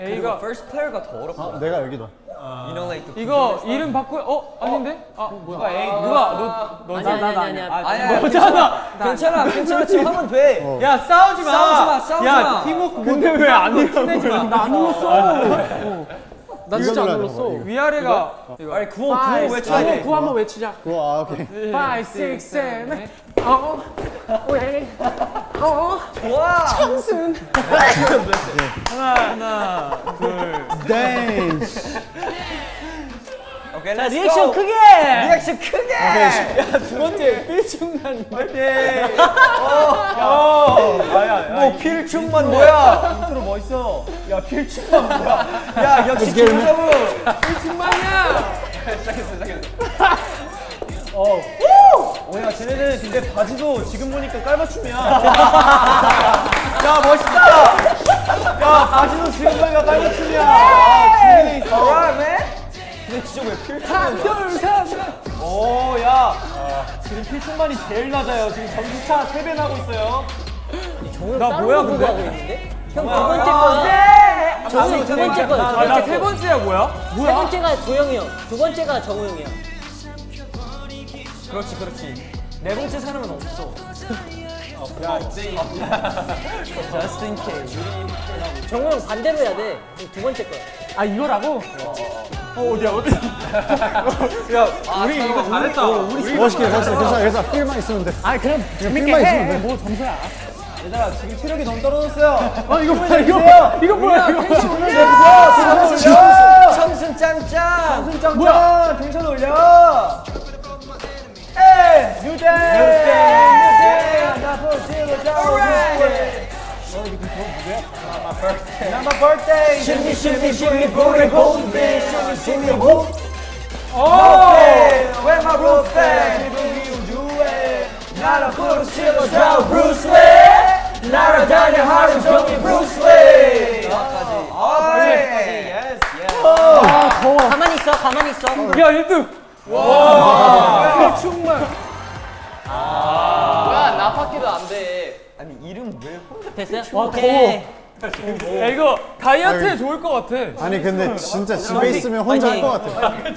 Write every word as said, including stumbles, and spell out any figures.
A가 first player가 더 어렵다. 아, 내가 여기다. You know, like the 이거 이름 바꾸 어 아닌데? 아 누가 A 누가 너 너지? 아니 아니 아니 아니야. 너잖아. 괜찮아, 괜찮아. 지금 하면 돼. 어. 야 싸우지 마. 싸우지 마, 싸우지 야 마. 팀워크 근데 왜 안 일어나? 나안 눌렀어. 나 진짜 안 이거 눌렀어. 위아래가 아니 구호 구호 외쳐야 돼. 구호 한번 외치자. 그거 아 오케이. five, six, seven. 어. 왜? 어. 좋아. 청순. 하나 둘. 댄스. 오케이, 자 let's 리액션 go. 크게. 리액션 크게. 두 번째 필충난. 파이팅. 어. 아야. 뭐 필충만 뭐야? 인트로 멋있어. 야 필충만 뭐야? 야 역시 김서부. 필충만이야. 어. 오야 쟤네들 근데 바지도 지금 보니까 깔맞춤이야. 야 멋있다. 야 바지도 지금 보니까 깔맞춤이야. 아, 준비돼 있어. Alright, man. 근데 진짜 왜 필충만? 오야 지금 필충만이 제일 낮아요. 지금 전기차 세 배 나고 있어요. 나 뭐야 근데? 하고 있는데? 형 두 번째 거야. 정우 두 번째 거야. 두 번째 나세 거. 번째야 뭐야? 세 번째가 조영이 형. 두 번째가 정우 형이야. 그렇지, 그렇지. 네 번째 사람은 없어. Just in case. 정우 형 반대로 해야 돼. 두 번째 거야. 아 이거라고? 어 어디야 어디? 야 우리 이거 잘했다. 우리 멋있게 멋있게 괜찮아 괜찮아. 필만 있으면 돼. 아 그럼 그냥 필만 있으면 돼. 뭐 점수야? 얘들아 지금 체력이 너무 떨어졌어요. 아 이거 뭐야 이거 이거 뭐야 이거? 청순 짱짱. 승장장 뭐야? 텐션 올려. 에이 뉴데이. 뉴데이. 나 보시고 자. My birthday. Shimmy, shimmy, shimmy, booty, booty, shimmy, shimmy, whoop. Okay, where my birthday? 기분이 우주에 나라 부르시고 저 Bruce Lee. 날아다녀 하루 종일 Bruce Lee. Yes, yes. 가만히 있어. 가만히 있어. 야 일 등. 와. 필충만. 아니 이름 왜 혼자? 됐어요? 오케이. 야 이거 다이어트에 좋을 것 같아. 아니 근데 진짜 집에 있으면 혼자 할 것 같아.